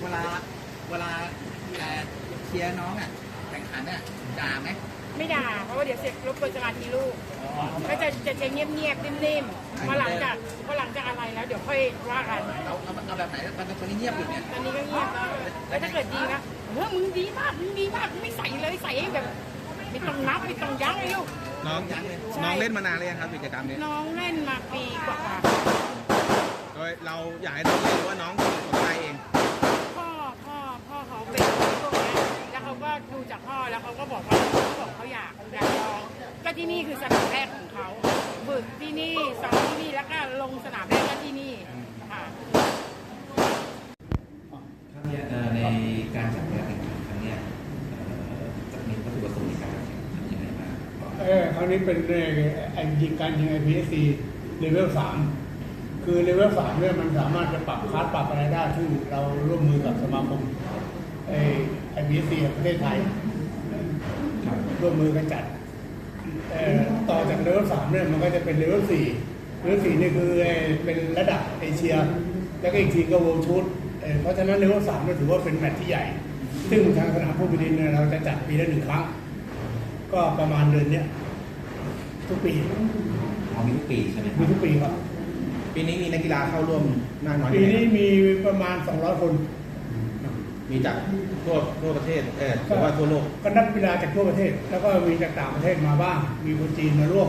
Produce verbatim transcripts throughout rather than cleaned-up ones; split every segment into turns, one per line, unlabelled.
เวลาเวลาเชียร์น้องอ่ะแข่งขันอ่ะด่าไหม
ไม่ด่าเพราะว่าเดี๋ยวเสร็จรบกวนสมาธิลูกก็จะจะจะเงียบๆนิ่มๆพอหลังจากพอหลังจากอะไรแล้วเดี๋ยวค่อยว่ากัน
เอาเอาเอาแบบไหนตอนนี้เงียบอยู่เนี่ย
ตอนนี้ก็เงียบแล้วแล้วถ้าเกิดดีนะเออมึงดีมากมึงดีมากไม่ใส่เลยใส่แบบไม่ต้องนับไม่ต้องยั้งเลยลูก
น้องน้องเล่นมานานเลยงครับกิจกรรมนี้
น้องเล่นมาปีกว่า
โดยเราอยากให้น้องเล่นหรือว่าน้องสนใจเอง
พ่อพ่อพ่อเขาเป็นพวกนี้แล้วเขาก็ดูจากพ่อแล้วเขาก็บอกว่าเขาบอกเขาอยากอยากลองก็ที่นี่คือสนามแรกของเขาฝึกที่นี่ซ้อมที่นี่แล้วก็ลงสนามแรกก็ที่นี่ค่ะ
ในการจัดการแข่งขันครั้งนี้จะมีวัตถุประสงค์ในการแข่งขันยังไงบ้าง
เออครั้งนี้เป็นไอยิงการยิง ไอ พี เอส ซี เลเวลสามคือเลเวลสามเนี่ยมันสามารถจะปรับคลาสปรับอะไรได้ซึ่งเราร่วมมือกับสมาคมไอ พี เอส ซี ประเทศไทยร่วมมือกันจัดต่อจากเลเวลสามเนี่ยมันก็จะเป็นเลเวลสี่เลเวลสี่นี่คือเป็นระดับเอเชียแล้วก็อีกทีก็ World Tour เพราะฉะนั้นเลเวลสามเนี่ยถือว่าเป็นแมตช์ที่ใหญ่ซึ่งทางสนามผู้บริหารเนี่ยเราจะจัดปีละหนึ่งครั้งก็ประมาณเดือนนี้ทุกปี
อ๋อมีทุกปีใช่ไหม
มีทุกปีครับ
ปีนี้มีนักกีฬาเข้าร่วมมากน้อย
ปีนี้มีประมาณสองร้อยคน
มีจากทั่วทั่วประเทศเออหรือว่าทั่วโลก
ก็นักกีฬาจากทั่วประเทศแล้วก็มีจากต่างประเทศมาบ้างมีคนจีนมาร่วม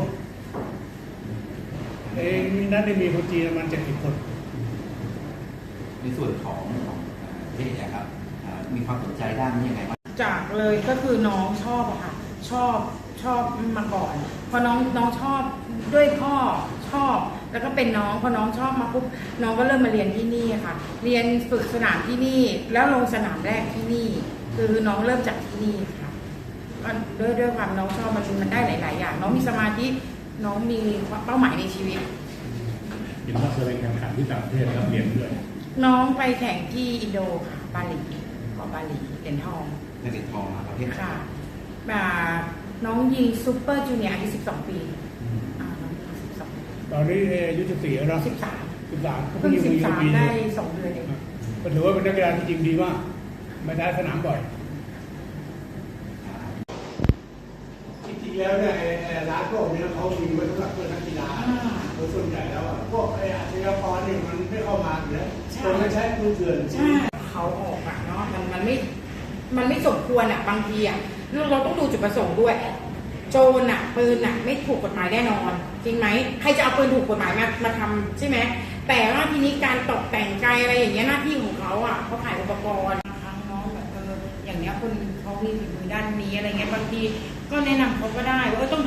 เอ้มีนัดได้มีคนจีนประมาณเจ็ดสิบคน
ในส่วนของของประเทศเนี่ยครับมีความสนใจด้านนี้ยังไงบ้าง
จากเลยก็คือน้องชอบอะค่ะชอบชอบมาก่อนพอน้องน้องชอบด้วยพ่อชอบแล้วก็เป็นน้องพอน้องชอบมาปุ๊บน้องก็เริ่มมาเรียนที่นี่ค่ะเรียนฝึกสนามที่นี่แล้วลงสนามแรกที่นี่คือน้องเริ่มจากที่นี่ค่ะด้วยด้วยความน้องชอบมันมันได้หลายๆอย่างน้องมีสมาธิน้องมีเป้าหมายในชีวิต
เห็นว่าเคยไปแข่งขันที่ต่างประเทศแล้วเรียนด้วย
น้องไปแข่งที่อินโดค่ะบาหลีเกาะบาหลีเหรียญทอง
เหรียญทองประเทศ
ค่ะน้องยิงซูเปอร์จูเนียร์อายุสิบสองปี
ตอนนี้อายุสิบสี่แล้ว
สิบสาม
สิบสาม
เพิ่งสิบสามได้สองเดือนเอง
ก็ถือว่าเป็นนักกีฬาที่จริงดีมากไม่ได้สนามบ่อยจริงๆแล้วเนี่ยร้านพวกนี้เขามีไว้สำหรับเพื่อนนักกีฬาโดยส่วนใหญ่แล้วพวกไอ้อาชญากรเนี่ยมันไม่เข้ามาอยู่แล้วคนไม่ใช้มือเถื่อน
ใช่เขาออกอะเนาะมันมันไม่มันไม่สมควรอะบางทีอะเราต้องดูจุดประสงค์ด้วยโจรน่ะปืนน่ะไม่ถูกกฎหมายแน่นอนจริงไหมใครจะเอาปืนถูกกฎหมายมามาทำใช่ไหมแต่ว่าทีนี้การตกแต่งกายอะไรอย่างเงี้ยหน้าที่ของเขาอ่ะเขาขายอุปกรณ์ครั้งน้องแบบเอออย่างเงี้ยคนเขามีฝีมือด้านนี้อะไรเงี้ยบางทีก็แนะนำเขาก็ได้ว่าต้อง